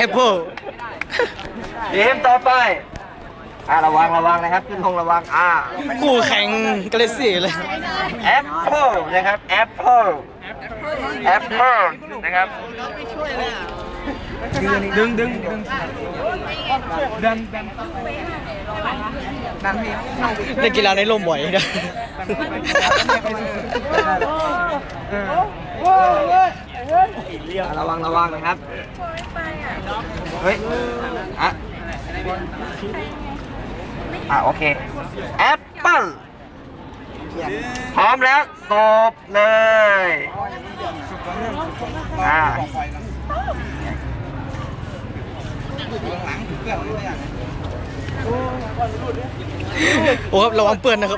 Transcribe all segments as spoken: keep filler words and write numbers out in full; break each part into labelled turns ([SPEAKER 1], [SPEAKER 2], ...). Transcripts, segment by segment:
[SPEAKER 1] ปเปิล
[SPEAKER 2] ทีมต่อไปอ่าระวังระวังนะครับขึ้นธงระวังอ่า
[SPEAKER 1] คู่แข่งกาเลซี่เลย
[SPEAKER 2] แอปเปิลนะครับแอปเปิลแอปเปิลนะครับดึงดึงดึงดันดันดันพี่
[SPEAKER 1] เล่นกีฬาในร่มบ่อยนะ
[SPEAKER 2] ระวังระวังนะครับเฮ้ยอ่ะอ่ะโอเคแอปเปิ้ลพร้อมแล้วสบเลยอ่า
[SPEAKER 1] โอ้ครับระวังเปื้อนนะครับ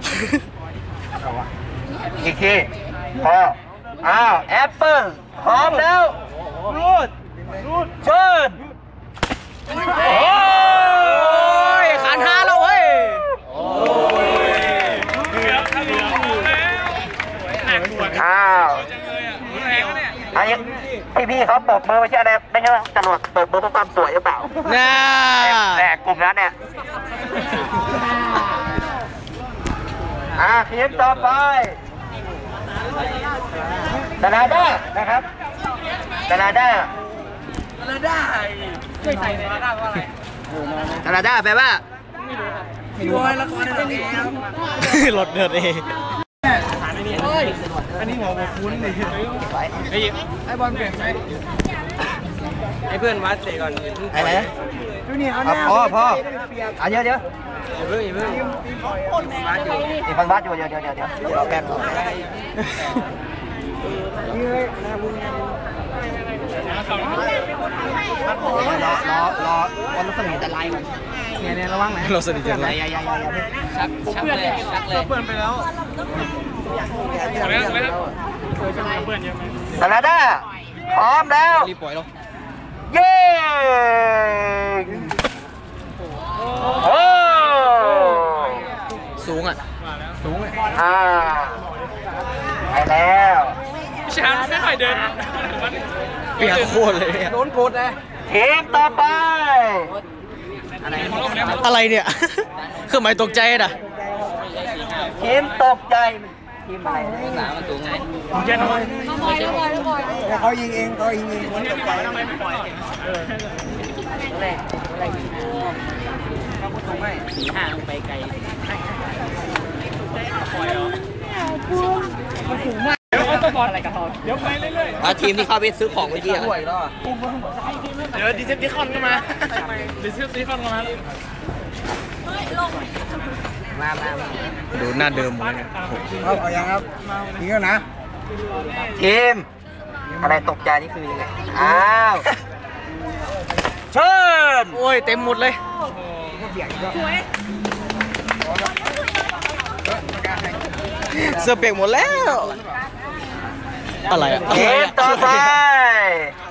[SPEAKER 2] อีกทีพออ้าวแอปเปิ้ลพร้อมแล้วรูดรูดเชิญ
[SPEAKER 1] โอ้ยขันห้าแล้วเว้ย
[SPEAKER 2] อ้าวไอ้พี่พี่เขาเปิดเบอร์ไม่ใช่อะไรไม่ใช่จรวดเปิดเบอร์เพราะความสวยหรือเปล่า
[SPEAKER 1] น่า
[SPEAKER 2] แต่กลุ่มนั้นเนี่ยอ่าทีมต่อไปแคนาดานะครับแคนาดาแคนาดาช่วยใส่แคนาดาว่าอะไรแคนาดาแปลว่าไม่รู้ไม่รู้ละครในเรื่องนี้
[SPEAKER 1] รถเดือดเอง
[SPEAKER 2] อันนี้หัวหัวคุ้นเลยไอ้ไอ้บอลเปลี่ยนไหม
[SPEAKER 1] ไอ้เพื่อนวัดเลยก่อน
[SPEAKER 2] ไอ้ไหนดูนี่เอาเนี่ยพ่อพ่ออ่ะเดี๋ยวเดี๋ยว
[SPEAKER 1] อย่าเพิ่งอย่าเพิ่ง
[SPEAKER 2] อีกคนวัดอยู่เดี๋ยวเดี๋ยวเดี๋ยวเดี๋ยวรอแป๊บรอรอรอรอวันสนิทจะไล่ก่อนเนี่ยเนี่ยระวังนะ
[SPEAKER 1] เราสนิทจะไล่
[SPEAKER 2] อย่าอย่าอย่าอย่าชักชักเลยชักเลยเพื่อนไปแล้วแคนาดาพร้อมแล้ว
[SPEAKER 1] รีบปล่อยเรา
[SPEAKER 2] เย้โอ้
[SPEAKER 1] สูงอ่ะ
[SPEAKER 2] สูงอ่าไปแล้ว
[SPEAKER 1] ช้างไม่ค่อยเดินเปียกโคตรเลย
[SPEAKER 2] โดนโกดเลยทีมต่อไป
[SPEAKER 1] อะไรเนี่ยคือหมายตกใจน่ะ
[SPEAKER 2] ทีมตกใจทีมอะไรสามมันสูงไงเย็นเลยเขายิงเองเขายิงเองมันตกใจทำไมไม่ปล่อยแรกแรกเขาพูดตรงไหมสีห่างไปไกลปล่อยเหรอสูงมากเดี๋ยวเขาต้องบอลอะไรกับเขาเดี๋ยวไปเรื่อยๆทีมที่เข้าไปซื้อของเมื่อกี้อ่ะเดี๋ยวดิเซปติคอนก็มาดิเซปติคอนก็มามามา
[SPEAKER 1] ดูหน้าเดิมเลย
[SPEAKER 2] ครับเอาอย่างครับนี่ก็นะทีมอะไรตกใจนี่คือยังไงอ้าวเชิญ
[SPEAKER 1] โอ้ยเต็มหมดเลยเสื้อเปียกหมดแล้วอะไรอ่ะ
[SPEAKER 2] ทีมต่อไป